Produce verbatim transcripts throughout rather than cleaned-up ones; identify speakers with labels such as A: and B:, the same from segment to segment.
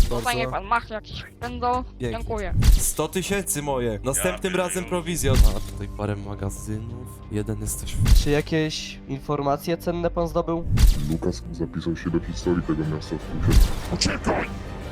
A: Tutaj niech
B: bardzo.
A: pan machnie jakiś pędzol.
B: Pięknie.
A: Dziękuję.
B: sto tysięcy moje. Następnym
C: Ja
B: razem
C: pierdolę.
B: prowizja. A tutaj parę magazynów. Jeden jest też...
D: Czy jakieś informacje cenne pan zdobył?
E: Lukas zapisał się do historii tego miasta w Kusie. Uciekaj!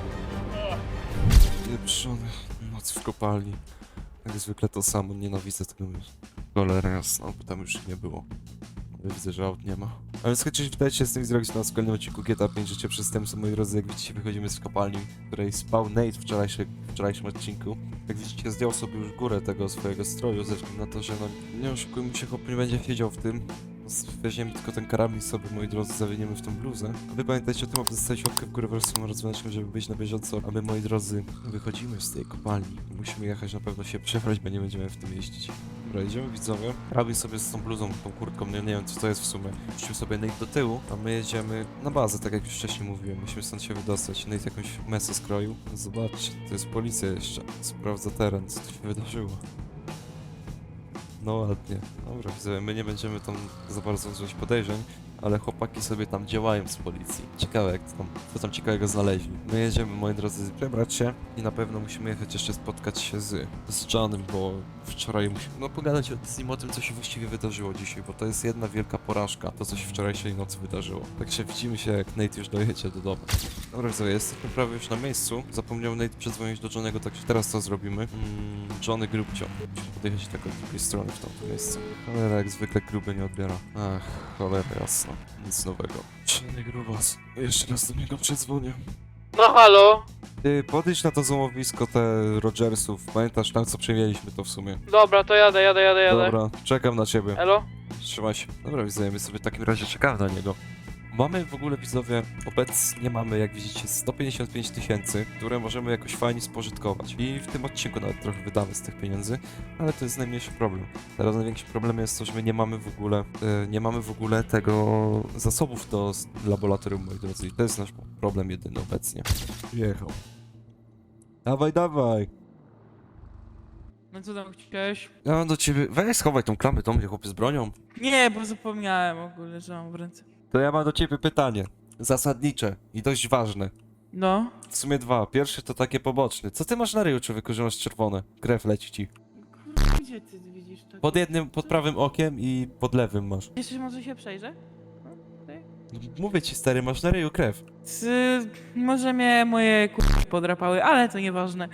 B: Pieprzony. Noc w kopalni. Jak zwykle to samo. Nienawidzę tego miejsca. Cholera jasna, bo tam już nie było. Ale widzę, że aut nie ma. A więc chociaż witajcie się z tym zrobić na kolejnym odcinku G T A pięć Życie Przestępstwa, moi drodzy. Jak widzicie, wychodzimy z kopalni, w której spał Nate w wczorajszy, wczorajszym odcinku. Jak widzicie, zdjął sobie już górę tego swojego stroju, ze względu na to, że no nie oszukujmy się, chłop nie będzie siedział w tym. Weźmiemy tylko ten karabin sobie, moi drodzy, zawiniemy w tą bluzę. A wy pamiętajcie o tym, aby zostawić łapkę w górę wraz z tym rozwiązaniem, żeby być na bieżąco. A my, moi drodzy, wychodzimy z tej kopalni. Musimy jechać na pewno się przebrać, bo nie będziemy w tym jeździć. Dobra, idziemy widzowie. Karabin sobie z tą bluzą, tą kurtką, nie, nie wiem co to jest w sumie. Puścimy sobie Nate do tyłu, a my jedziemy na bazę, tak jak już wcześniej mówiłem. Musimy stąd się wydostać. Nate jakąś mesę skroił. Zobaczcie, to jest policja jeszcze. Sprawdza teren, co tu się wydarzyło. No ładnie. Dobra, widzę, my nie będziemy tam za bardzo wzbudzać podejrzeń, ale chłopaki sobie tam działają z policji. Ciekawe jak to tam, co tam ciekawego znaleźli. My jedziemy, moi drodzy, przebrać się i na pewno musimy jechać jeszcze spotkać się z, z Johnem, bo wczoraj musimy, no pogadać z nim o tym, co się właściwie wydarzyło dzisiaj, bo to jest jedna wielka porażka, to co się wczorajszej nocy wydarzyło. Także widzimy się, jak Nate już dojedzie do domu. Dobra, widzę, jesteśmy prawie już na miejscu. Zapomniał Nate przedzwonić do Johnego, także teraz to zrobimy. Mm, Johnny Grubcio. Musimy podjechać tak od drugiej strony w tamto miejsce. Cholera, jak zwykle gruby nie odbiera. Ach, cholera jasna. Nic nowego. Johnny Grubas. Jeszcze raz do niego przedzwonię.
F: No halo?
B: Ty, podejdź na to złomowisko te Rogersów. Pamiętasz tam, co przejęliśmy to w sumie?
F: Dobra, to jadę, jadę, jadę, jadę.
B: Dobra, czekam na ciebie.
F: Elo?
B: Trzymaj się. Dobra, widzowie, my sobie w takim razie czekamy na niego. Mamy w ogóle, widzowie, obecnie mamy, jak widzicie, sto pięćdziesiąt pięć tysięcy, które możemy jakoś fajnie spożytkować. I w tym odcinku nawet trochę wydamy z tych pieniędzy, ale to jest najmniejszy problem. Teraz największym problemem jest to, że my nie mamy w ogóle, e, nie mamy w ogóle tego zasobów do s- laboratorium, moi drodzy. I to jest nasz problem jedyny obecnie. Jechał. Dawaj, dawaj!
F: No co tam chciałeś?
B: Ja mam do ciebie... Weź schowaj tą klamę do mnie, chłopie, z bronią.
F: Nie, bo zapomniałem ogólnie, że mam w ręce.
B: To ja mam do ciebie pytanie. Zasadnicze i dość ważne.
F: No.
B: W sumie dwa. Pierwszy to takie poboczne. Co ty masz na ryju, człowieku, że masz czerwone? Krew leci ci.
F: Kurwa, gdzie ty widzisz to?
B: Pod jednym, pod prawym okiem i pod lewym masz.
F: Jeszcze może się przejrzę?
B: No, mówię ci, stary, masz na ryju krew.
F: Ty, może mnie moje kurwa podrapały, ale to nieważne.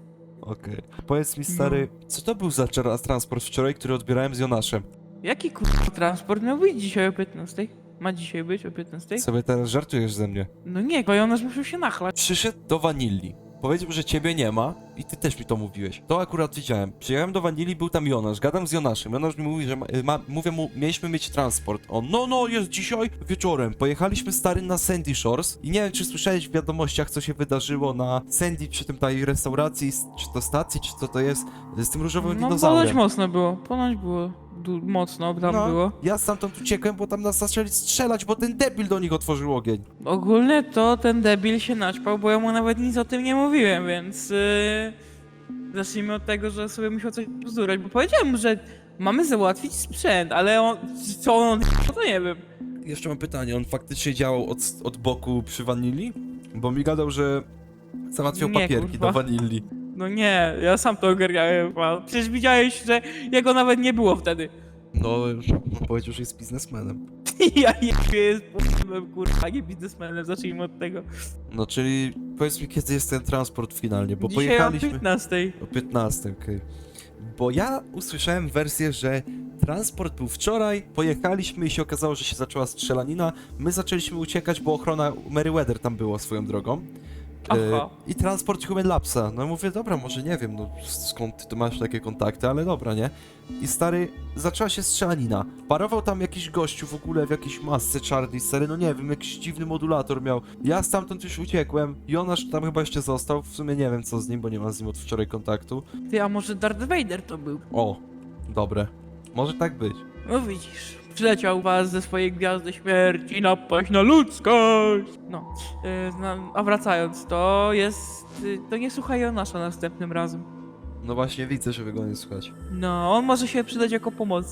B: Okej. Powiedz mi, stary, co to był za czera- transport wczoraj, który odbierałem z Jonaszem?
F: Jaki kurwa transport miał być dzisiaj o piętnastej? Ma dzisiaj być o piętnastej?
B: Sobie teraz żartujesz ze mnie.
F: No nie, bo Jonasz musiał się nachlać.
B: Przyszedł do Wanilli. Powiedział, że ciebie nie ma i ty też mi to mówiłeś. To akurat widziałem. Przyjechałem do Wanilli, był tam Jonasz, gadam z Jonaszem. Jonasz mi mówi, że ma, ma, mówię mu, mieliśmy mieć transport. On, no, no, jest dzisiaj wieczorem. Pojechaliśmy, stary, na Sandy Shores i nie wiem, czy słyszałeś w wiadomościach, co się wydarzyło na Sandy, przy tym tej restauracji, czy to stacji, czy co to jest, z tym różowym
F: No ponoć
B: dinozaurem.
F: mocno było, ponoć było du- mocno tam
B: No,
F: było.
B: ja stamtąd uciekłem, bo tam nas zaczęli strzelać, bo ten debil do nich otworzył ogień.
F: Ogólnie to ten debil się naćpał, bo ja mu nawet nic o tym nie mówiłem, więc yy, zacznijmy od tego, że sobie musiał coś bzdurać, bo powiedziałem mu, że mamy załatwić sprzęt, ale on, co on to nie wiem.
B: Jeszcze mam pytanie, on faktycznie działał od, od boku przy Wanilli? Bo mi gadał, że załatwiał
F: Nie,
B: papierki
F: kurwa.
B: do Wanilli.
F: No nie, ja sam to ogarniałem, a przecież widziałeś, że jego nawet nie było wtedy.
B: No, on powiedział, że jest biznesmenem.
F: Ja jebie jest p***em, kurwa, nie biznesmenem, zacznijmy od tego.
B: No, czyli powiedz mi, kiedy jest ten transport finalnie, bo
F: Dzisiaj o
B: pojechaliśmy...
F: piętnastej.
B: O piętnastej, okej. Bo ja usłyszałem wersję, że transport był wczoraj, pojechaliśmy i się okazało, że się zaczęła strzelanina. My zaczęliśmy uciekać, bo ochrona Meriwether tam była swoją drogą.
F: Aha.
B: I transport Human Labsa. No mówię, dobra, może nie wiem, no skąd ty tu masz takie kontakty, ale dobra, nie? I stary, zaczęła się strzelanina. Parował tam jakiś gościu w ogóle w jakiejś masce czarnej, stary, no nie wiem, jakiś dziwny modulator miał. Ja stamtąd już uciekłem, Jonasz tam chyba jeszcze został, w sumie nie wiem co z nim, bo nie mam z nim od wczoraj kontaktu.
F: Ty, a może Darth Vader to był?
B: O, dobre. Może tak być.
F: No widzisz, przyleciał was ze swojej gwiazdy śmierci napaść na ludzkość. No, yy, na, a wracając, to jest, yy, to nie słuchaj Jonasza następnym razem.
B: No właśnie widzę, że go nie słuchać.
F: No, on może się przydać jako pomocnik.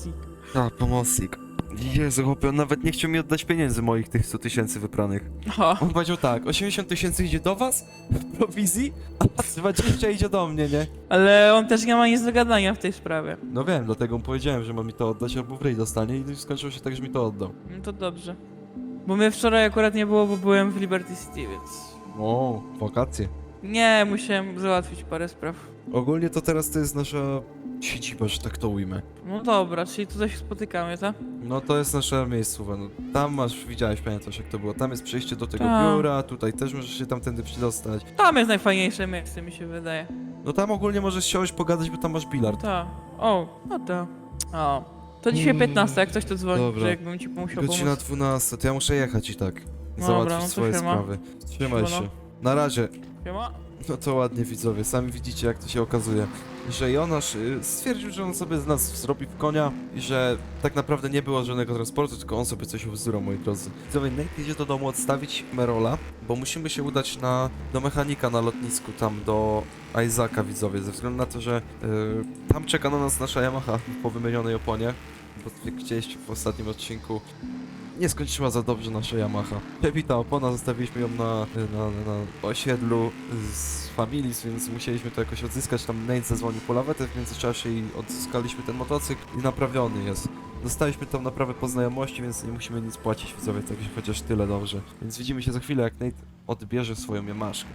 B: A, pomocnik. Jezu, chłopie, on nawet nie chciał mi oddać pieniędzy moich tych sto tysięcy wypranych.
F: O,
B: On powiedział tak, osiemdziesiąt tysięcy idzie do was w prowizji, a dwadzieścia idzie do mnie, nie?
F: ale on też nie ma nic do gadania w tej sprawie.
B: No wiem, dlatego mu powiedziałem, że ma mi to oddać albo w ryj dostanie i skończyło się tak, że mi to oddał.
F: No to dobrze. Bo mnie wczoraj akurat nie było, bo byłem w Liberty City, więc...
B: O, wakacje.
F: Nie, musiałem załatwić parę spraw.
B: Ogólnie to teraz to jest nasza siedziba, że tak to ujmę.
F: No dobra, czyli tutaj się spotykamy, tak?
B: No to jest nasza miejscowa, no tam masz, widziałeś, pamiętasz jak to było, tam jest przejście do tego
F: Tak.
B: biura, tutaj też możesz się tamtędy przydostać.
F: Tam jest najfajniejsze miejsce, mi się wydaje.
B: No tam ogólnie możesz siąść, pogadać, bo tam masz bilard.
F: Tak. O, no to. O. To dzisiaj
B: Mm,
F: piętnaście, jak coś to dzwoni,
B: dobra.
F: że jakbym ci musiał
B: Godzina
F: pomóc.
B: dwunasta, to ja muszę jechać i tak.
F: Dobra,
B: Załatwić
F: no to
B: swoje
F: siema.
B: sprawy. Trzymaj
F: Siema, no.
B: się. Na razie.
F: Siema.
B: No to ładnie widzowie, sami widzicie jak to się okazuje. Że Jonasz y, stwierdził, że on sobie z nas zrobi w konia i że tak naprawdę nie było żadnego transportu, tylko on sobie coś ubzdurał, moi drodzy. Widzowie, Nate idzie do domu odstawić Merola, bo musimy się udać na, do mechanika na lotnisku, tam do Isaaca, widzowie, ze względu na to, że y, tam czeka na nas nasza Yamaha po wymienionej oponie, bo jak widzieliście w ostatnim odcinku, nie skończyła za dobrze nasza Yamaha. Przebita opona, zostawiliśmy ją na, na, na osiedlu z Familis, więc musieliśmy to jakoś odzyskać. Tam Nate zadzwonił po lawetę w międzyczasie i odzyskaliśmy ten motocykl i naprawiony jest. Dostaliśmy tam naprawę po znajomości, więc nie musimy nic płacić, widzowie, także chociaż tyle dobrze. Więc widzimy się za chwilę, jak Nate odbierze swoją Yamaszkę.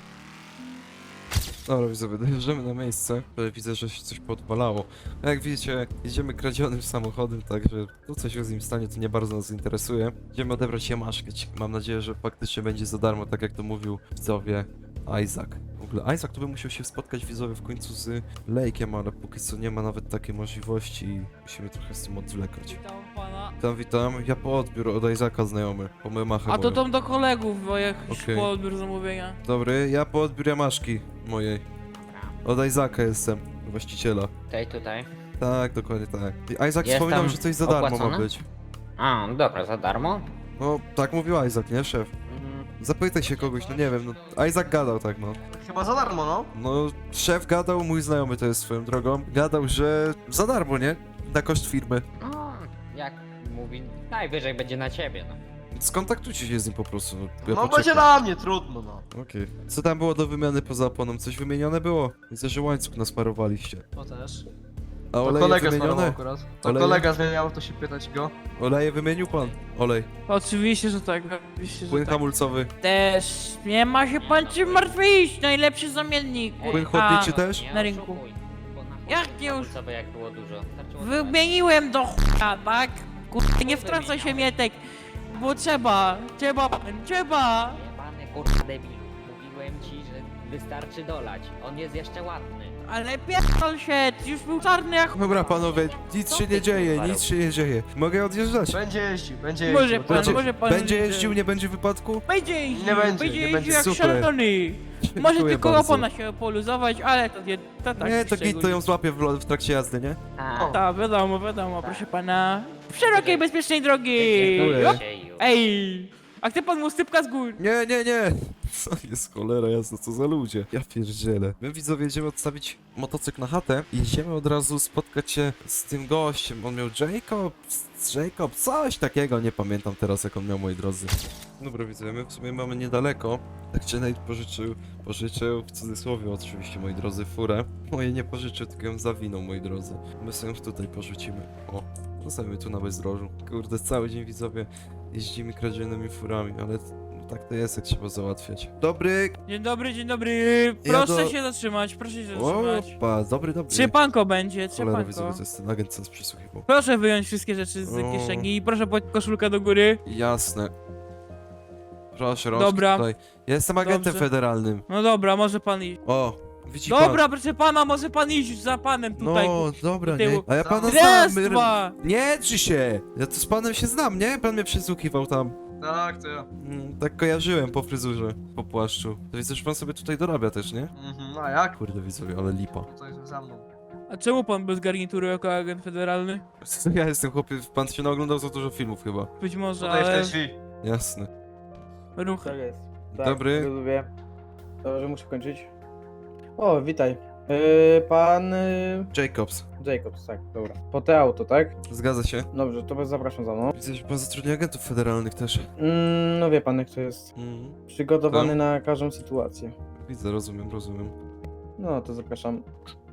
B: Dobra, widzowie, dojeżdżamy na miejsce. Widzę, że się coś podwalało. A jak widzicie, jedziemy kradzionym samochodem, także to co się z nim stanie, to nie bardzo nas interesuje. Idziemy odebrać Yamaszkę. Mam nadzieję, że faktycznie będzie za darmo, tak jak to mówił widzowie Isaac. W ogóle Isaac to by musiał się spotkać widzowie w końcu z Lake'em, ale póki co nie ma nawet takiej możliwości i musimy trochę z tym odwlekać.
F: Witam pana.
B: Witam, witam. Ja po odbiór od Isaaca znajomy, po Yamachę
F: A to
B: moją.
F: tam do kolegów, bo jak już
B: Okej.
F: po odbiór zamówienia.
B: Dobry, ja po odbiór Yamaszki mojej. Od Isaaca jestem, właściciela.
A: Tutaj, tutaj.
B: Tak, dokładnie tak. I Isaac
A: Jest
B: wspominał,
A: tam
B: że coś za darmo ma
A: opłacone?
B: być.
A: A, dobra, za darmo?
B: No, tak mówił Isaac, nie, szef?
A: Mm,
B: Zapytaj się kogoś, no nie wiem, no Isaac gadał tak, no.
D: Chyba za darmo, no.
B: No, szef gadał, mój znajomy to jest swoją drogą, gadał, że za darmo, nie? Na koszt firmy.
A: no, jak mówi, najwyżej będzie na ciebie, no.
B: Skontaktujcie się z nim po prostu, no. Ja
D: No
B: poczekam.
D: będzie na mnie, trudno, no.
B: Okej. Co tam było do wymiany poza oponą? Coś wymienione było? Widzę, że łańcuch nasmarowaliście.
D: To też.
B: A
D: To
B: oleje
D: kolega zmieniał
B: wymienione?
D: akurat. To
B: Oleje?
D: kolega zmieniał, to się pytać go.
B: Oleje wymienił pan? Olej.
F: Oczywiście, że tak, oczywiście, że
B: Płyn
F: tak.
B: hamulcowy.
F: Też nie ma się pan czym martwić, najlepszy zamiennik.
B: Płyn
F: A,
B: chłodniczy też?
A: Nie
F: na rynku.
A: oszukuj, bo na
F: Jak
A: chłodniku
F: nie już?
A: hamulcowe jak było dużo. Starczyło
F: Wymieniłem do chuja, tak? Kurde, nie wtrącaj się Mietek, bo trzeba, trzeba, trzeba.
A: Jebany kurwa debil. Mówiłem ci, że wystarczy dolać. On jest jeszcze ładny.
F: Ale pierdol się, już był czarny jak...
B: Dobra panowie, nic
A: Co
B: się
A: ty,
B: nie dzieje,
A: kurwa,
B: nic się nie dzieje. Mogę odjeżdżać?
D: Będzie jeździł, będzie
F: Może
D: jeździł.
F: pan,
D: to-
F: może pan...
B: Będzie jeździł, nie będzie wypadku?
F: Będzie jeździł,
D: Nie będzie,
F: będzie
D: nie
F: jeździł
D: będzie.
F: jak
B: Super.
F: szalony. Może
B: Dziękuję
F: tylko
B: bardzo.
F: opona się poluzować, ale to nie, to tak.
B: Nie, to
F: szczególnie.
B: git to ją złapie w, lo- w trakcie jazdy, nie?
A: A,
F: Tak, wiadomo, wiadomo, proszę pana. Szerokiej, bezpiecznej drogi.
B: Dziękuję.
F: Jop.
A: się już.
F: Ej, a chce pan mu stypka z gór?
B: Nie, nie, nie! Co jest cholera jasna, co za ludzie? Ja pierdzielę. My widzowie jedziemy odstawić motocykl na chatę i jedziemy od razu spotkać się z tym gościem. On miał Jacob, Jacob, coś takiego, nie pamiętam teraz jak on miał, moi drodzy. Dobra widzowie, my w sumie mamy niedaleko. Tak czy Nate pożyczył, pożyczył, w cudzysłowie oczywiście, moi drodzy, furę. Moje nie pożyczył, tylko ją zawinął, moi drodzy. My sobie ją tutaj porzucimy. O, zostawimy tu na bezdrożu. Kurde, cały dzień widzowie jeździmy kradzionymi furami, ale tak to jest, jak trzeba załatwiać. Dobry!
F: Dzień dobry, dzień dobry. Proszę
B: do-
F: się zatrzymać, proszę się zatrzymać.
B: Opa, dobry, dobry.
F: Trzypanko będzie,
B: Cholera widzowie,
F: trzypanko.
B: to jest ten agent, co nas przysłuchiwał.
F: Proszę wyjąć wszystkie rzeczy z
B: O.
F: kieszeni i proszę podać koszulkę do góry.
B: Jasne. Proszę, rączki
F: Dobra.
B: tutaj. Ja jestem agentem
F: Dobrze.
B: federalnym.
F: No dobra, może pan iść.
B: O, widzi
F: Dobra, proszę pana, może pan iść za panem
B: pan.
F: tutaj.
B: No, dobra, nie.
F: tyłu.
B: A ja pana
F: Raz,
B: znam.
F: dwa.
B: Nie drzy się! Ja to z panem się znam, nie? Pan mnie przysłuchiwał tam.
D: Tak, to ja.
B: Mm, tak kojarzyłem po fryzurze, po płaszczu. To widzę, że pan sobie tutaj dorabia też, nie?
D: Mhm, a jak?
B: Kurde widzowie, ale lipa.
D: Tutaj za mną.
F: A czemu pan bez garnituru jako agent federalny?
B: Ja jestem chłopie, pan się naoglądał za dużo filmów chyba.
F: Być może,
D: Tutaj w te
F: ale
D: drzwi.
B: Jasne.
F: ruchy.
C: Tak jest. Tak,
B: Dobry.
C: Rozumiem. Dobrze, muszę kończyć. O, witaj. Yy, pan yy,
B: Jacobs.
C: Jacobs, tak, dobra. Po te auto, tak?
B: Zgadza się.
C: Dobrze, to zapraszam za mną.
B: Widzę, że pan zatrudnia agentów federalnych też.
C: Mm, no wie pan, jak to jest.
B: Mhm.
C: Przygotowany
B: Tak.
C: na każdą sytuację.
B: Widzę, rozumiem, rozumiem.
C: No, to zapraszam.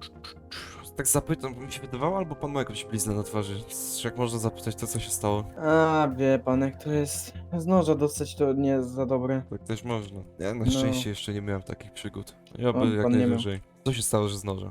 B: Tak zapytam, bo mi się wydawało, albo pan ma jakąś bliznę na twarzy. Jak można zapytać, to co się stało?
C: A, wie pan, jak to jest. Z noża dostać to nie jest za dobre.
B: Tak też można. Ja na
C: No.
B: szczęście jeszcze nie miałem takich przygód. Ja by
C: On-
B: jak
C: pan nie miał.
B: najwyżej. Co się stało, że z noża?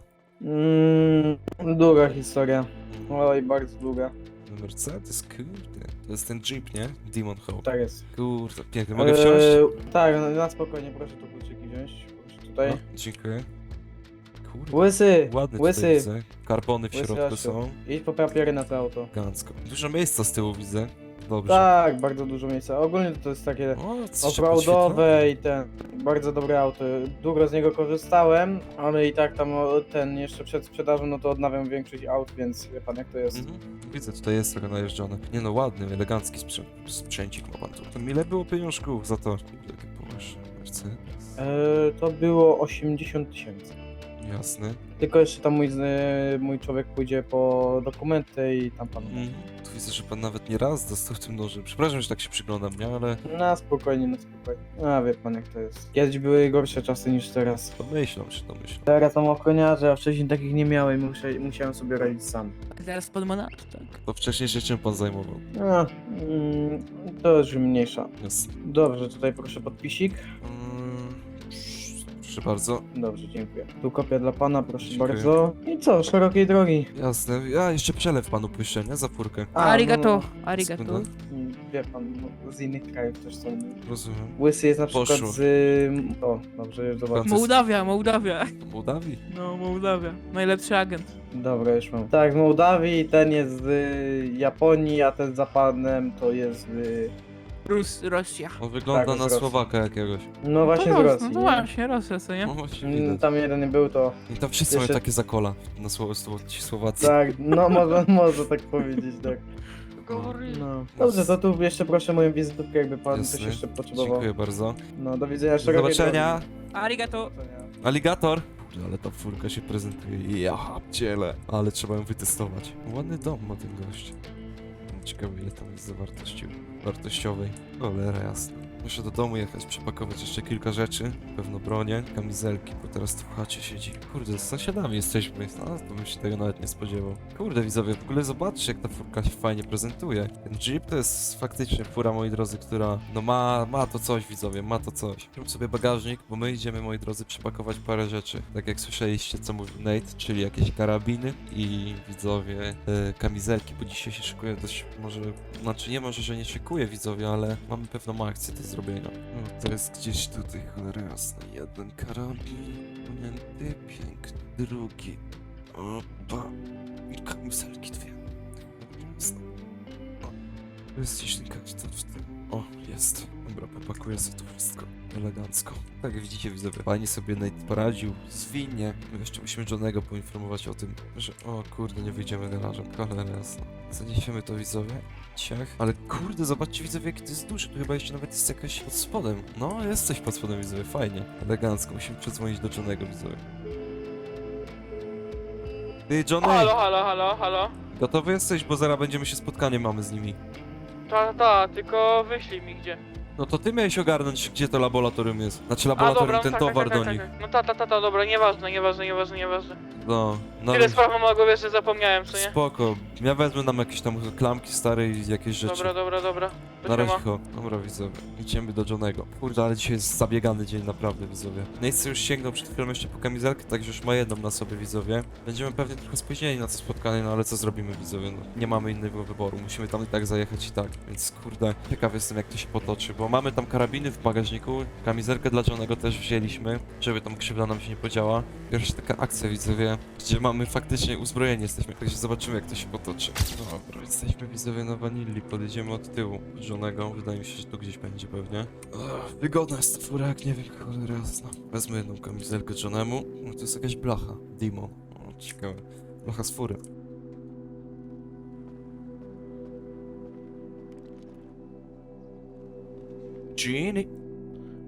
C: Mm, długa historia. Oj, bardzo długa.
B: Mercedes, kurde. To jest ten Jeep, nie? Demon Hope.
C: Tak jest.
B: Kurde, piękny. Mogę wsiąść?
C: Eee, tak, no, na spokojnie, proszę tu kluczyki wziąć. Proszę tutaj.
B: No, dziękuję. Kurde,
C: Łysy!
B: ładny
C: Łysy!
B: tutaj widzę. Karbony w
C: Łysy
B: środku
C: Asiu.
B: są.
C: Idź po papiery na to auto.
B: Gancko. Dużo miejsca z tyłu widzę. Dobrze.
C: Tak, bardzo dużo miejsca. Ogólnie to jest takie
B: O, coś
C: offroadowe i ten. Bardzo dobre auto. Długo z niego korzystałem, ale i tak tam o, ten jeszcze przed sprzedażą, no to odnawiam większość aut, więc wie pan jak to jest.
B: Mhm. Widzę, tutaj jest trochę najeżdżone. Nie no, ładny, elegancki sprzęt, sprzęcik ma pan tu. To ile było pieniążków za to? Kurde, jakie połysze. Mercedes.
C: Eee, to było osiemdziesiąt tysięcy.
B: Jasny.
C: Tylko jeszcze tam mój, z- mój człowiek pójdzie po dokumenty i tam pan.
B: Mhm. Tu widzę, że pan nawet nie raz dostał tym nożem. Przepraszam, że tak się przyglądam, nie? Ale
C: Na spokojnie, na spokojnie. A wie pan jak to jest. Kiedyś były gorsze czasy niż teraz.
B: domyślam się, domyślam.
C: Teraz mam ochroniarze, a wcześniej takich nie miałem i muszę, musiałem sobie radzić sam.
F: Teraz pan ma na to, tak?
B: To wcześniej się czym pan zajmował?
C: A, mm, to już mniejsza.
B: Jasne.
C: Dobrze, tutaj proszę podpisik.
B: Mm, proszę bardzo.
C: Dobrze, dziękuję. Tu kopia dla pana, proszę
B: Dziękuję.
C: bardzo. I co, szerokiej drogi.
B: Jasne. Ja jeszcze przelew panu puszczę, nie? Za furkę.
C: A,
F: Arigato,
C: no,
F: arigato.
B: Sekundę.
C: no, wie pan, no, z innych krajów też są.
B: Rozumiem.
C: Łysy jest na przykład
B: Poszło.
C: z... O, dobrze, już zobaczę.
B: Francja-
F: Mołdawia, Mołdawia.
B: Do Mołdawii?
F: No, Mołdawia. Najlepszy agent.
C: Dobra, już mam. Tak, z Mołdawii, ten jest z y, Japonii, a ten za panem to jest z... Y,
F: Rus, Rosja.
B: On wygląda
C: Tak, z
B: na
C: Rosji.
B: Słowaka jakiegoś.
C: no właśnie
F: to
C: z
F: Ros-
C: Rosji.
F: No to
C: nie?
F: właśnie, Rosja, co nie?
B: No właśnie
C: Mm,
B: widać.
C: Tam jeden nie był, to...
B: I tam wszyscy mają
C: jeszcze-
B: takie zakola na słowo, słowo ci Słowacy.
C: Tak, no można, można tak powiedzieć, tak. No. Dobrze, to tu jeszcze proszę moją wizytówkę, jakby pan
B: Jasne.
C: coś jeszcze potrzebował.
B: Dziękuję bardzo.
C: No, do widzenia,
B: Do
C: szerokiej
B: zobaczenia.
F: Arigato.
C: drogi. Do widzenia.
B: Aligator. Kurde, ale ta furka się prezentuje. Ja ciele. Ale trzeba ją wytestować. Ładny dom ma ten gość. Ciekawe ile tam jest zawartości wartościowej. Cholera jasna. Muszę do domu jechać, przepakować jeszcze kilka rzeczy. Pewno bronię, kamizelki, bo teraz tu w chacie siedzi. Kurde, z sąsiadami jesteśmy. A, to bym się tego nawet nie spodziewał. Kurde, widzowie, w ogóle zobaczcie, jak ta furka się fajnie prezentuje. Ten Jeep to jest faktycznie fura, moi drodzy, która no ma, ma to coś, widzowie, ma to coś. Zrób sobie bagażnik, bo my idziemy, moi drodzy, przepakować parę rzeczy. Tak jak słyszeliście, co mówił Nate, czyli jakieś karabiny i widzowie, e, kamizelki, bo dzisiaj się szykuje dość, może, znaczy nie może, że nie szykuje, widzowie, ale mamy pewną akcję do zrobienia. No, to jest gdzieś tutaj, cholera jasna. Jeden karabin, ponięty, piękny, drugi. Opa. I kamizelki dwie. Jasne. O, tu jest gdzieś ten kamizelek w tym. O, jest. Dobra, popakuję sobie to wszystko. Elegancko. Tak jak widzicie, widzowie, fajnie sobie Nate poradził. Zwinnie. My jeszcze musimy Johnego poinformować o tym, że o kurde, nie wyjdziemy garażem. Cholera jasna. Zaniesiemy to, widzowie. Ciach. Ale kurde, zobaczcie, widzowie, jaki to jest duży. Tu chyba jeszcze nawet jest jakaś pod spodem. No, jest coś pod spodem, widzowie, fajnie. Elegancko. Musimy przedzwonić do Johnego, widzowie. Ty, Johnny!
F: Halo, halo, halo, halo.
B: Gotowy jesteś, bo zaraz będziemy się spotkanie mamy z nimi.
F: Ta, ta, tylko wyślij mi gdzie.
B: No to ty miałeś ogarnąć, gdzie to laboratorium jest. Znaczy
F: A
B: laboratorium,
F: dobra,
B: ten
F: tak,
B: towar
F: tak,
B: do
F: tak,
B: nich.
F: tak, tak. No ta, ta, ta, ta, dobra, nieważne, nieważne, nieważne, nieważne.
B: No, no
F: Tyle spraw mam na głowie, że zapomniałem, co nie?
B: spoko. Ja wezmę nam jakieś tam klamki stare i jakieś rzeczy.
F: Dobra, dobra, dobra. To
B: Na
F: siema.
B: razie, ho. Dobra, widzowie. Idziemy do Johnego. Kurde, ale dzisiaj jest zabiegany dzień, naprawdę, widzowie. Nejcy już sięgnął przed chwilą jeszcze po kamizelkę, także już ma jedną na sobie, widzowie. Będziemy pewnie trochę spóźnieni na to spotkanie, no ale co zrobimy, widzowie? No, nie mamy innego wyboru, musimy tam i tak zajechać i tak. Więc kurde, ciekaw jestem, jak to się potoczy, bo mamy tam karabiny w bagażniku, kamizelkę dla Johnego też wzięliśmy, żeby tam krzywda nam się nie podziała. Pierwsza taka akcja, widzowie, gdzie mamy faktycznie uzbrojeni jesteśmy, także zobaczymy, jak to się potoczy. Dobra, jesteśmy, widzowie, na wanilli, podjedziemy od tyłu Johnego, wydaje mi się, że tu gdzieś będzie pewnie. Ech, wygodna jest ta fura, jak nie wiem, cholera jasna. Wezmę jedną kamizelkę Johnemu, no to jest jakaś blacha, Dimo, o, ciekawe, blacha z fury. Genie.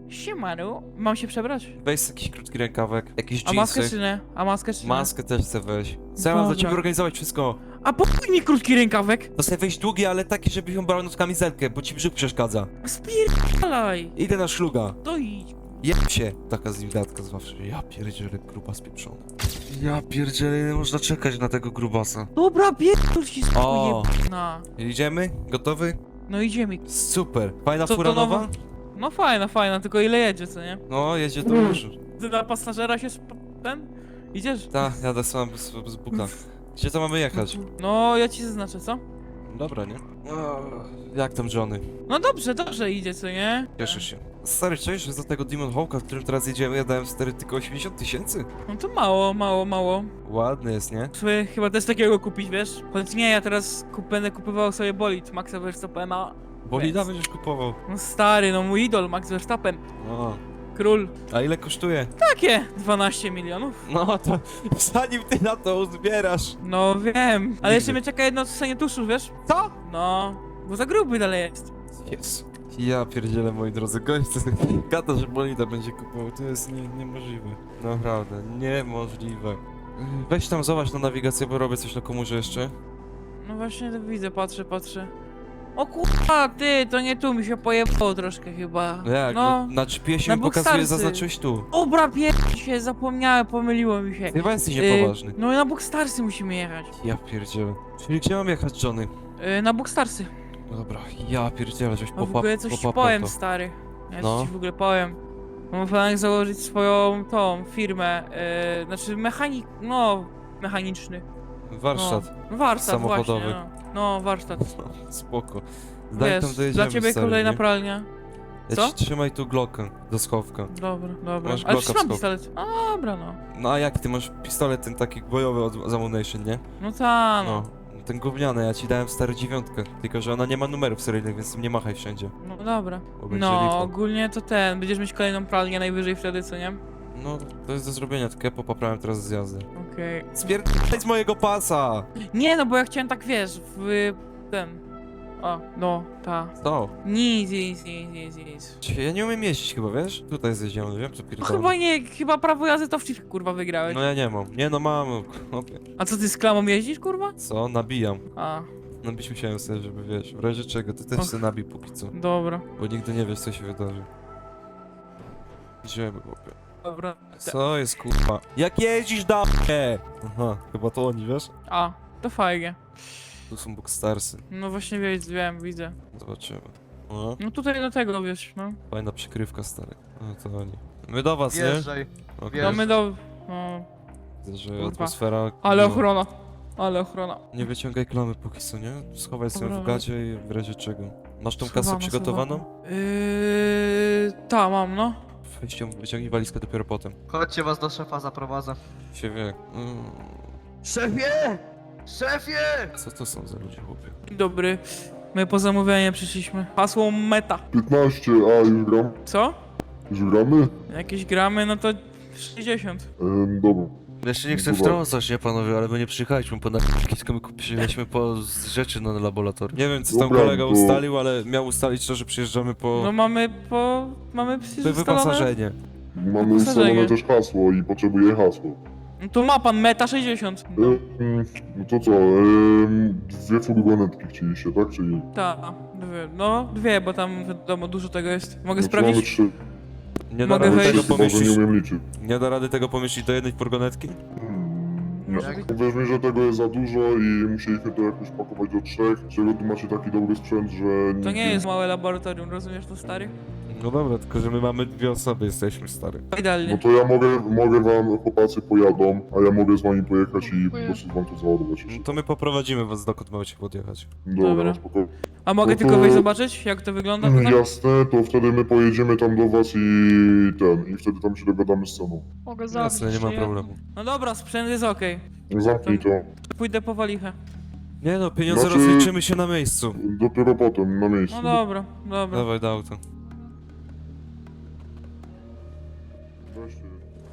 F: Siemanu, mam się przebrać?
B: Weź jakiś krótki rękawek, jakieś
F: A maskę
B: jeansy.
F: czy nie? A maskę czy nie?
B: Maskę też chcę weź. Co ja mam dla
F: Dobra.
B: ciebie organizować wszystko?
F: A po chuj mi krótki rękawek?
B: To sobie weź długi, ale taki, żebyś ją brał na kamizelkę, bo ci brzuch przeszkadza.
F: Spierdalaj!
B: Idę na szluga.
F: To idź.
B: Jeb się! Taka z nim gadka zawsze. Ja pierdzielę, gruba spieprzona. Ja pierdzielę, nie można czekać na tego grubasa.
F: Dobra, pierdol się
B: O.
F: na.
B: Idziemy? Gotowy?
F: No idziemy.
B: Super. Fajna
F: Co to
B: fura nowa?
F: nowa? No fajna, fajna, tylko ile jedzie, co nie?
B: No, jedzie to już.
F: Ty na pasażera się sp... ten? Idziesz?
B: Tak, jadę sam z, z buka. Gdzie to mamy jechać?
F: No, ja ci zaznaczę, co?
B: Dobra, nie? O, jak tam Johnny?
F: No dobrze, dobrze idzie, co nie?
B: Cieszę się. Stary, cześć, że za tego Demon Hawka, w którym teraz jedziemy, ja dałem stary tylko osiemdziesiąt tysięcy?
F: No to mało, mało, mało.
B: Ładny jest, nie?
F: Sobie chyba też takiego kupić, wiesz? Choć nie, ja teraz kup, będę kupywał sobie bolid Maxa Verstappena.
B: Bolida
F: Więc-
B: będziesz kupował.
F: No stary, no mój idol, Max Verstappen.
B: O.
F: Król.
B: A ile kosztuje?
F: Takie dwanaście milionów.
B: No to zanim ty na to uzbierasz.
F: No wiem. Ale jeszcze
B: Nigdy.
F: mnie czeka jedno odstanie tuszu, wiesz?
B: Co?
F: No, bo za gruby dalej jest.
B: Jest. Ja pierdzielę, moi drodzy, gość to gada, że bolida będzie kupował, to jest nie, niemożliwe. Naprawdę, niemożliwe. Weź tam zobacz na nawigację, bo robię coś na komórze jeszcze.
F: No właśnie to widzę, patrzę, patrzę. O kurwa, ty, to nie tu, mi się pojebało troszkę chyba.
B: No jak, no,
F: No,
B: na G P S
F: na
B: mi pokazuje,
F: Bookstarsy.
B: zaznaczyłeś tu.
F: dobra, pier... się, zapomniałem, pomyliło mi się.
B: Chyba jesteś
F: Y,
B: niepoważny.
F: No i na Bookstarsy musimy jechać.
B: Ja pierdzielę. Czyli gdzie mam jechać, Johnny?
F: Y, na Bookstarsy.
B: Dobra, ja pierdzielę, żeś
F: A w
B: popap,
F: ogóle coś ci
B: popapał
F: powiem,
B: to.
F: stary. Ja
B: No.
F: ci w ogóle powiem. Mam plan założyć swoją tą firmę, yy, znaczy mechanik, no, mechaniczny.
B: Warsztat.
F: No, warsztat
B: samochodowy.
F: właśnie, no. no, warsztat.
B: Spoko. Daj
F: Wiesz,
B: tam dojedziemy,
F: dla ciebie
B: stary,
F: kolejna
B: nie?
F: pralnia.
B: Ja
F: Co?
B: ci trzymaj tu Glockę do schowka.
F: Dobra, dobra.
B: Masz
F: Ale
B: Glocka
F: przecież
B: w
F: mam
B: skok.
F: pistolet. A dobra, no.
B: No a jak ty masz pistolet ten taki bojowy od z Ammunition, nie?
F: No ta,
B: No.
F: no.
B: Ten gówniany, ja ci dałem stary dziewiątkę. Tylko, że ona nie ma numerów seryjnych, więc tym nie machaj wszędzie.
F: No dobra.
B: Bo będzie
F: No,
B: lipa.
F: ogólnie to ten, będziesz mieć kolejną pralnię najwyżej wtedy, co nie?
B: No, to jest do zrobienia, tylko ja poprawiam teraz zjazdy.
F: Okej.
B: Spierdaj z mojego pasa!
F: Nie, no bo ja chciałem tak, wiesz, w ten... O, no, ta.
B: Co?
F: Nic, nic, nic, nic, nic.
B: Cię- Ja nie umiem jeździć chyba, wiesz? Tutaj zjeździłem, wiem co
F: No
B: pierdolę.
F: chyba nie, chyba prawo jazdy to w FIFA, kurwa, wygrałeś.
B: No ja nie mam. Nie no mam, chłopie.
F: A co, ty z klamą jeździsz, kurwa?
B: Co? Nabijam.
F: A,
B: Nabić musiałem sobie, żeby wiesz, w razie czego, ty też
F: Och.
B: sobie nabij póki co.
F: dobra,
B: Bo nigdy nie wiesz co się wydarzy. Idziemy, chłopie.
F: dobra.
B: Co jest kurwa? Jak jeździsz do mnie? Aha, chyba to oni, wiesz?
F: A, to fajnie.
B: Tu są Bookstarsy.
F: No właśnie wiem, wiem, widzę.
B: Zobaczymy. O,
F: No tutaj do tego, wiesz, no.
B: fajna przykrywka, stary. No to oni. My do was, nie?
D: Wjeżdżaj.
B: Okej.
F: No my do... No,
B: Widzę, że
F: Kurwa.
B: atmosfera...
F: ale
B: no.
F: ochrona. Ale ochrona.
B: Nie wyciągaj klamy póki co, nie? Schowaj sobie
F: Dobra.
B: w gacie i w razie czego. Masz tą kasę
F: Schowamy,
B: przygotowaną?
F: Yy... Ta, mam, no.
B: Weź ją, wyciągnij walizkę dopiero potem.
D: Chodźcie, was do szefa zaprowadzę.
B: Się wie. Mm.
D: Szefie! Szefie!
B: Co to są za ludzie, chłopie?
F: Dzień dobry. My po zamówienie przyszliśmy. Hasło meta.
E: piętnaście, a już gram?
F: Co?
E: Już gramy?
F: Jakieś gramy, no to sześćdziesiąt.
E: Ehm, dobra.
B: Jeszcze nie
E: chcę
B: chcę
E: Dobra.
B: wtrącać, nie panowie, ale my nie przyjechaliśmy po narkotyki, tylko my kupiliśmy po z rzeczy na laboratorium. Nie wiem co tam
E: Dobra,
B: kolega
E: to-
B: ustalił, ale miał ustalić to, że przyjeżdżamy po
F: No mamy po... mamy przecież
B: wy-
F: ustalone...
B: wyposażenie.
E: Mamy
F: Wyposażenie.
E: ustalone też hasło i potrzebuję hasło.
F: No to ma pan meta sześćdziesiąt. No.
E: Ehm, no to co, ehm, dwie furgonetki chcieliście, tak? Czyli
F: Tak, dwie. No, dwie, bo tam wiadomo dużo tego jest. Mogę
E: no to mamy
F: sprawdzić?
E: trzy.
B: Nie da
F: Mogę
B: rady
F: wejść?
B: tego
E: Chyba, że nie
B: pomieścić.
E: umiem liczyć.
B: Nie da rady tego pomieścić do jednej furgonetki?
E: Hmm, nie.
D: Jak-
E: Powiedz mi, że tego jest za dużo i musieliśmy to jakoś pakować do trzech. Czego tu macie taki dobry sprzęt, że...
F: To nie
E: nigdy-
F: jest małe laboratorium, rozumiesz to, stary?
B: No dobra, tylko że my mamy dwie osoby, jesteśmy stary.
E: No
F: Idealnie.
E: to ja mogę, mogę wam, chłopacy pojadą, a ja mogę z wami pojechać i po prostu wam to załadować
B: No
E: jeszcze.
B: to my poprowadzimy was dokąd macie podjechać.
E: Dobra,
F: Dobra.
E: spokojnie.
F: A mogę
E: no to-
F: tylko wejść zobaczyć, jak to wygląda tutaj?
E: Jasne, to wtedy my pojedziemy tam do was i ten, i wtedy tam się dogadamy z ceną.
G: Mogę
B: Jasne, nie ma
G: zabić,
B: problemu.
F: No dobra, sprzęt jest okej.
E: Zamknij to.
F: Pójdę po walichę.
B: Nie no, pieniądze
E: Znaczy-
B: rozliczymy się na miejscu.
E: Dopiero potem, na miejscu.
F: No dobra, dobra.
B: Dawaj do auta.
E: Weźcie.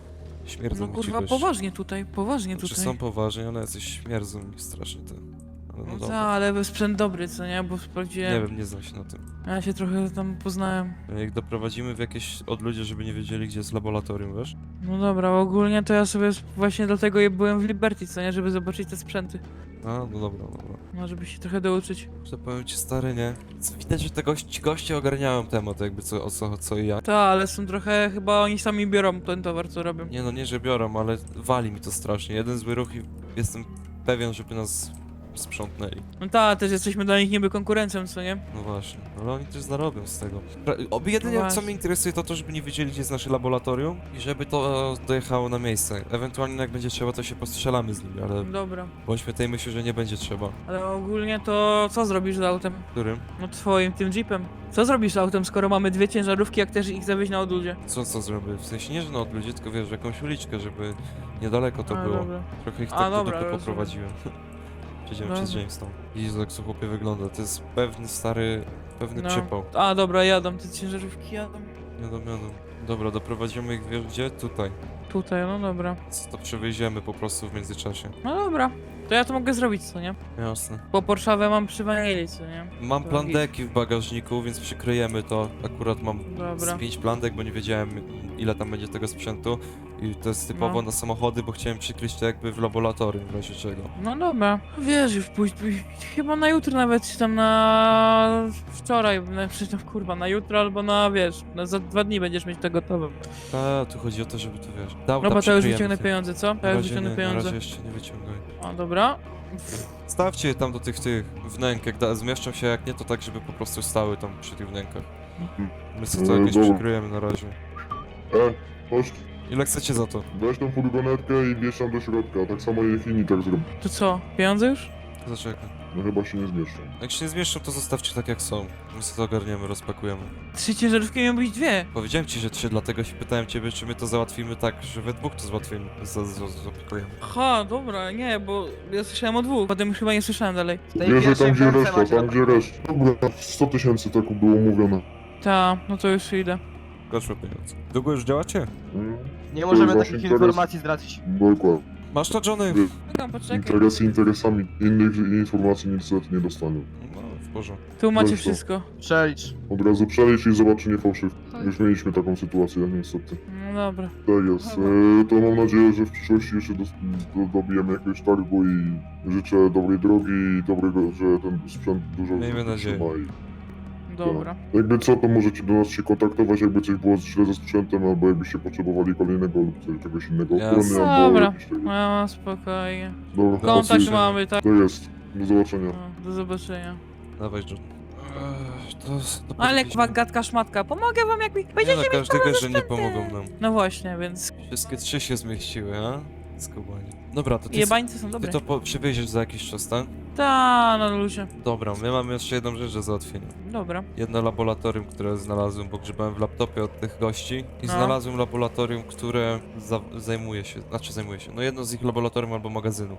B: Śmierdzą
F: No
B: mi ci
F: kurwa,
B: goście.
F: poważnie tutaj, poważnie
B: Znaczy
F: tutaj.
B: są poważni, ale jacyś śmierdzą mi strasznie te No,
F: No
B: dobra.
F: tak, ale sprzęt dobry, co nie? Bo
B: Nie
F: sprawdziłem.
B: wiem, nie znam się na tym.
F: Ja się trochę tam poznałem.
B: Jak doprowadzimy w jakieś odludzie, żeby nie wiedzieli, gdzie jest laboratorium, wiesz?
F: No dobra, ogólnie to ja sobie właśnie dlatego je byłem w Liberty, co nie? Żeby zobaczyć te sprzęty.
B: A, no dobra, dobra.
F: No, żeby się trochę douczyć.
B: To powiem ci, stary, nie? Co, widać, że te gości, ci goście ogarniają temat, jakby co, o co, co i jak.
F: Tak, ale są trochę, chyba oni sami biorą ten towar, co robią.
B: Nie no, nie, że biorą, ale wali mi to strasznie. Jeden zły ruch i jestem pewien, żeby nas sprzątnęli.
F: No tak, też jesteśmy dla nich niby konkurencją, co nie?
B: No właśnie, ale oni też zarobią z tego. Pra- Oby jedynie
F: No
B: co
F: właśnie.
B: mnie interesuje to to, żeby nie wiedzieli, gdzie jest nasze laboratorium i żeby to e, dojechało na miejsce. Ewentualnie jak będzie trzeba, to się postrzelamy z nimi, ale
F: Dobra.
B: bądźmy tej myśli, że nie będzie trzeba.
F: Ale ogólnie to co zrobisz z autem?
B: Którym?
F: No twoim, tym jeepem. Co zrobisz z autem, skoro mamy dwie ciężarówki, jak też ich zawieźć na odludzie?
B: Co, co zrobię? W sensie nie, że na odludzie, tylko wiesz, jakąś uliczkę, żeby niedaleko to
F: A,
B: było.
F: dobra.
B: Trochę ich
F: A,
B: tak do
F: dobra,
B: dupy
F: rozumiem.
B: poprowadziłem. Przejdziemy
F: Dobra.
B: przez Jamestown. Widzisz, jak to chłopie wygląda. To jest pewny stary, pewny
F: No.
B: przypał.
F: A, dobra, jadą, te ciężarówki jadą.
B: Jadą, jadą. Dobra, doprowadzimy ich, wiesz gdzie? Tutaj.
F: Tutaj, no dobra.
B: Co to przywieziemy po prostu w międzyczasie.
F: No dobra. To ja to mogę zrobić, co nie?
B: Jasne.
F: Bo Porszawę mam przy wanili, co nie?
B: Mam
F: To
B: plan
F: git.
B: deki w bagażniku, więc przykryjemy to. Akurat mam
F: Dobra.
B: z pięć plan dek, bo nie wiedziałem ile tam będzie tego sprzętu. I to jest typowo
F: No.
B: na samochody, bo chciałem przykryć to jakby w laboratorium, w razie czego.
F: No dobra. Wiesz, już pójść, pójść, chyba na jutro nawet, czy tam na wczoraj, na, czy tam kurwa, na jutro albo na, wiesz, na za dwa dni będziesz mieć to gotowe.
B: A, tu chodzi o to, żeby to wiesz. Dał,
F: Dobra, to już wyciągnę pieniądze, co?
B: Na
F: To już
B: razie
F: wyciągnę
B: nie, na
F: pieniądze.
B: razie jeszcze nie wyciągaj.
F: A, dobra.
B: Stawcie je tam do tych, tych wnęk, jak da, zmieszczą się, jak nie, to tak, żeby po prostu stały tam przy tych wnękach. My sobie to
E: No,
B: jakieś
E: dobra.
B: przykryjemy na razie.
E: E, chodź,
B: Ile chcecie za to?
E: weź tą furgonetkę i wjedź tam do środka. Tak samo jak inni tak zrobią.
F: To co, pieniądze już?
B: Zaczekaj.
E: No chyba się nie zmieszczą.
B: Jak się nie zmieszczą, to zostawcie tak jak są. My sobie to ogarniemy, rozpakujemy.
F: Trzy ciężarówki miały być dwie.
B: Powiedziałem ci, że trzy, dlatego się pytałem ciebie, czy my to załatwimy tak, że we dwóch to załatwimy. za- za- Zapakujemy.
F: Aha, dobra, nie, bo ja słyszałem o dwóch, potem już chyba nie słyszałem dalej.
D: W tej
E: Bierze
D: pierwszej
E: tam gdzie
D: belce
E: reszta,
D: macie
E: tam gdzie reszta. Dobra, sto tysięcy tak było mówione.
F: Ta, no to już idę.
B: Proszę pieniądze. Długo już działacie?
E: Mm,
D: Nie możemy
E: To jest
D: takich
E: właśnie
D: informacji zdradzić.
E: Dokładnie.
B: Masz to, Johnny?
F: Czekam, poczekaj.
E: Interesy interesami. Innych informacji niestety nie dostanę.
B: No, w porządku.
F: Tu macie
E: Weź to.
F: wszystko.
D: Przelicz.
E: Od razu przelicz i zobacz, czy nie fałszyw. Już mieliśmy taką sytuację, niestety.
F: No dobra.
E: Tak jest. E, to mam nadzieję, że w przyszłości jeszcze dos- do, dobijemy jakiegoś targu i życzę dobrej drogi i dobrego, że ten sprzęt dużo
B: Miejmy nadzieję.
E: trzyma i-
F: Dobra.
E: Jakby co, to możecie do nas się kontaktować, jakby coś było źle ze sprzętem, albo jakbyście potrzebowali kolejnego lub coś- czegoś innego
B: Jasne.
E: ochrony, albo
F: Dobra.
E: jakieś tego.
F: No, spokojnie.
E: Dobra,
F: Kontakt
B: zobaczymy.
F: mamy, tak?
E: to jest. Do zobaczenia.
F: No, do zobaczenia.
B: Dawaj, John. Ech, to, to
F: Ale
B: powinniśmy-
F: kwa gadka szmatka, pomogę wam jak mi
B: Nie
F: będziecie
B: no,
F: mieć
B: każdy
F: problem
B: wie,
F: ze
B: że nie
F: sprzętem.
B: pomogą nam.
F: No właśnie, więc
B: Wszystkie trzy się zmieściły, a? Skubani. Dobra, to ty,
F: jebańce są
B: ty
F: dobre.
B: to po, przywieziesz za jakiś czas, tak?
F: Ta, no ludzie.
B: Dobra, my mamy jeszcze jedną rzecz do załatwienia.
F: Dobra.
B: Jedno laboratorium, które znalazłem, bo grzebałem w laptopie od tych gości i
F: No.
B: znalazłem laboratorium, które za, zajmuje się, znaczy zajmuje się, no jedno z ich laboratorium albo magazynu.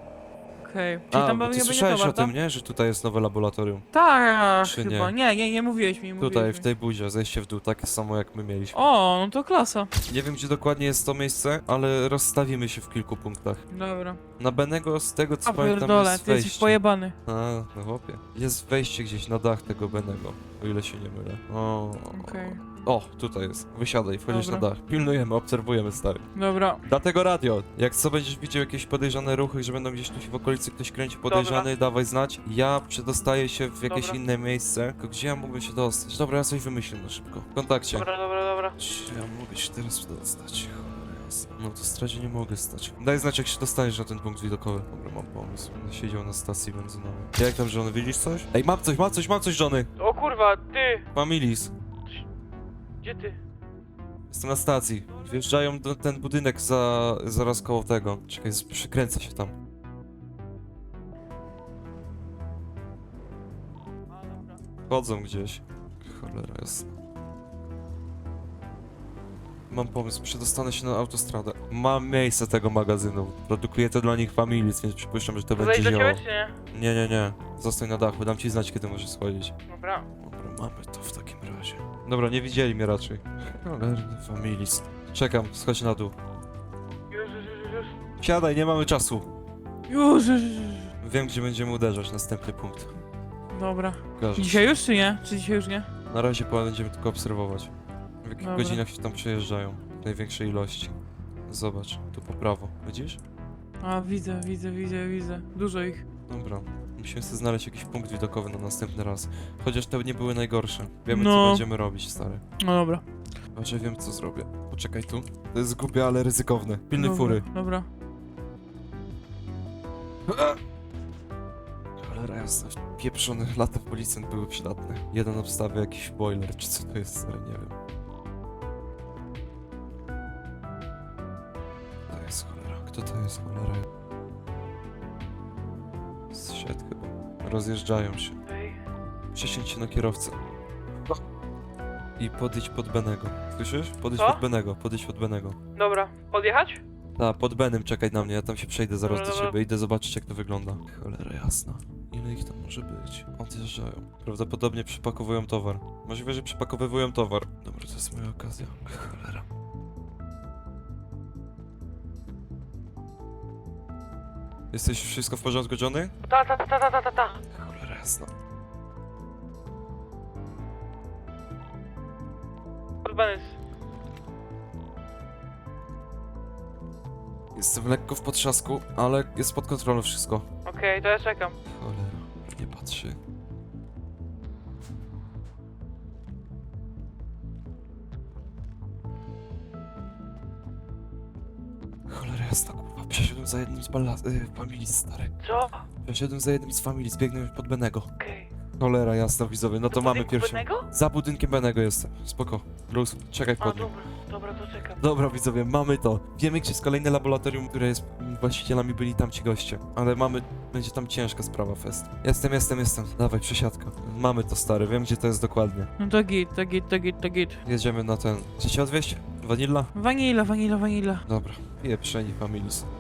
F: Okej. Czyli
B: A,
F: tam
B: bo
F: będzie
B: ty słyszałeś
F: towar,
B: o tym,
F: tak?
B: nie? Że tutaj jest nowe laboratorium.
F: Tak,
B: Czy
F: chyba.
B: nie?
F: Nie, nie, nie mówiłeś mi. Mówiłeś
B: Tutaj,
F: mi.
B: w tej budzie, zejście w dół, takie samo jak my mieliśmy.
F: O, no to klasa.
B: Nie wiem, gdzie dokładnie jest to miejsce, ale rozstawimy się w kilku punktach.
F: Dobra.
B: Na Benego, z tego co
F: A
B: pamiętam,
F: pierdolę,
B: jest
F: ty jesteś
B: wejście.
F: pojebany.
B: A, no chłopie. Jest wejście gdzieś na dach tego Benego, o ile się nie mylę. O,
F: Okej.
B: o tutaj jest. Wysiadaj, wchodzisz
F: Dobra.
B: na dach. Pilnujemy, obserwujemy, stary.
F: Dobra.
B: Dlatego radio. Jak co będziesz widział jakieś podejrzane ruchy, że będą gdzieś tu w okolicy ktoś kręci podejrzany, dawaj znać. Ja przedostaję się w jakieś
F: Dobra.
B: inne miejsce. Tylko gdzie ja mógłbym się dostać? Dobra, ja coś wymyślę na szybko. W kontakcie.
F: Dobra, dobra, dobra.
B: Czy ja mogę się teraz dostać? Cholera jasna. No to stradzie nie mogę stać. Daj znać, jak się dostaniesz na ten punkt widokowy. Dobra, mam pomysł. Będę siedział na stacji benzynowej. Jak tam, Johnny, widzisz coś? Ej, mam coś, mam coś, mam coś, Johnny!
F: O kurwa, ty!
B: Familis.
F: Gdzie ty?
B: Jestem na stacji. Wjeżdżają do ten budynek za, zaraz koło tego. Czekaj, z- przykręcę się tam.
F: A, dobra.
B: Chodzą gdzieś. Cholera jasna. Mam pomysł, przedostanę się na autostradę. Mam miejsce tego magazynu. Produkuję to dla nich Familis, więc przypuszczam, że to
F: To
B: będzie
F: zejść do
B: działało.
F: ciebie, czy nie?
B: Nie, nie, nie. Zostań na dachu, dam ci znać, kiedy możesz schodzić.
F: Dobra.
B: Dobra, mamy to w takim razie. Dobra, nie widzieli mnie raczej. Cholerny Familis. Czekam, schodź na dół.
F: Już, już, już, już.
B: Siadaj, nie mamy czasu.
F: Już, już, już.
B: Wiem, gdzie będziemy uderzać, następny punkt.
F: Dobra.
B: Kojarzysz?
F: Dzisiaj już czy nie? Czy dzisiaj już nie?
B: Na razie po- będziemy tylko obserwować. W jakich
F: Dobra.
B: godzinach się tam przejeżdżają. W największej ilości. Zobacz, tu po prawo. Widzisz?
F: A, widzę, widzę, widzę, widzę. Dużo ich.
B: Dobra. Musimy sobie znaleźć jakiś punkt widokowy na następny raz. Chociaż te nie były najgorsze. Wiemy, co
F: No.
B: będziemy robić, stary.
F: No dobra.
B: Znaczy wiem, co zrobię. Poczekaj tu. To jest głupie, ale ryzykowne. Pilnuj
F: dobra,
B: fury.
F: Dobra.
B: Cholera jasna. Pieprzony lata policjant były przydatne. Jeden obstawia jakiś boiler, czy co to jest, stary, nie wiem. To jest cholera. Kto to jest cholera? Zszedł chyba. Rozjeżdżają się. Przesiądź się na kierowcę. I podejdź pod Benego. Słyszysz? Podejdź
F: Co?
B: pod Benego, podejdź pod Benego.
F: Dobra. Podjechać?
B: Tak, pod Benem czekaj na mnie, ja tam się przejdę zaraz
F: Dobra,
B: do
F: dobra.
B: ciebie, idę zobaczyć jak to wygląda. Cholera jasna. Ile ich tam może być? Odjeżdżają. Prawdopodobnie przepakowują towar. Możliwe, że przepakowywują towar. Dobra, to jest moja okazja. Cholera. Jesteś wszystko w porządku, Johnny?
F: Ta, ta, ta, ta, ta, ta, ta.
B: Cholera jasna.
F: Podbany.
B: Jestem lekko w potrzasku, ale jest pod kontrolą wszystko.
F: Okej, to ja czekam.
B: Cholera, nie patrzy. Cholera jasna, kurwa, przeszedłem za jednym z balla... Y, familii, stary.
F: Co?
B: Przeszedłem za jednym z familii, zbiegnę pod Benego.
F: Okej.
B: Cholera jasna, widzowie, no to mamy pierwszy...
F: Pewnego?
B: Za budynkiem Benego jestem, spoko. Bruce, czekaj
F: A,
B: pod nim.
F: dobra, dobra, to czekam.
B: Dobra, widzowie, mamy to. Wiemy, gdzie jest kolejne laboratorium, które jest właścicielami, byli tam ci goście. Ale mamy, będzie tam ciężka sprawa, fest. Jestem, jestem, jestem. Dawaj, przesiadka. Mamy to, stary, wiem, gdzie to jest dokładnie.
F: No to git, to git, to git, to git.
B: Jedziemy na ten... Chcecie odwieźć? Vanilla?
F: Wanila, wanila, wanila.
B: Dobra. Pieprzeni familis.